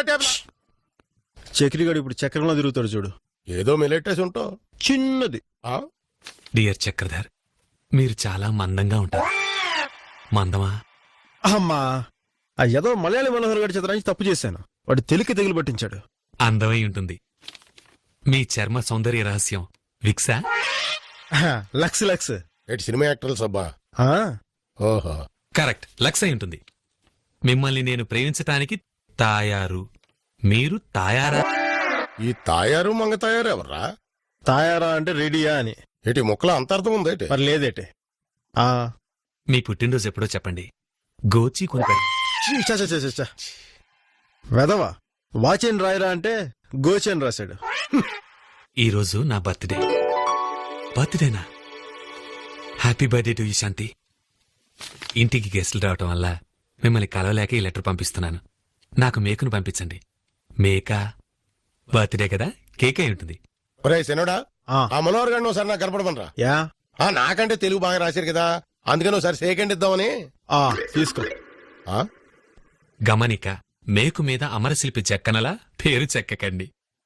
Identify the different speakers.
Speaker 1: Table.
Speaker 2: చక్రిగాడు ఇప్పుడు చక్రంలో తిరుగుతాడు చూడు.
Speaker 1: ఏదో మిలెట్టేసి ఉంటావు.
Speaker 2: చిన్నది.
Speaker 3: డియర్ చక్రధర్, మీరు చాలా మందంగా ఉంటారు. మందమా?
Speaker 2: అమ్మా, ఆ ఏదో మలయాళీ మనోహర్ గారి చిత్రానికి తప్పు చేశాను. వాడు తెలికి తెగులు పట్టించాడు.
Speaker 3: అందమై ఉంటుంది. మీ చర్మ సౌందర్య రహస్యం విక్సా?
Speaker 2: Lux Lux.
Speaker 1: ఎటు సినిమా యాక్టర్లు సబ్బా? ఓహో,
Speaker 3: కరెక్ట్, లక్స్ అయి ఉంటుంది. మిమ్మల్ని నేను ప్రేమించటానికి తాయారు. మీరు తాయారా?
Speaker 1: ఈ తాయారు మంగ తాయారు ఎవర్రా?
Speaker 2: తాయారా అంటే రెడీయా అని.
Speaker 1: ఏటి ముక్కలో అంతర్థం ఉందేటి?
Speaker 2: మరి లేదేటి.
Speaker 3: మీ పుట్టినరోజు ఎప్పుడో చెప్పండి. గోచి కొనిపెడ.
Speaker 2: వెదవా, వాచేన్ రాయరా అంటే గోచేన్ రాశాడు.
Speaker 3: ఈరోజు నా బర్త్డే. బర్త్డేనా? Happy birthday to you Shanti. ఇంటికి గెస్టులు రావటం వల్ల మిమ్మల్ని కలవలేక ఈ లెటర్ పంపిస్తున్నాను. నాకు మేకను పంపించండి. మేక బర్త్డే కదా, కేక్ అయి ఉంటుంది.
Speaker 1: ఒరే శనుడా, ఆ మనోహర్ గారిని ఒకసారి నాకు కనపడమనరా.
Speaker 2: యా,
Speaker 1: నాకంటే తెలుగు బాగా రాశారు కదా, అందుకని ఒకసారి సేకండ్ ఇద్దామని.
Speaker 2: తీసుకో.
Speaker 3: గమనిక, మేకు మీద అమరశిల్పి చెక్కనలా పేరు చెక్కకండి.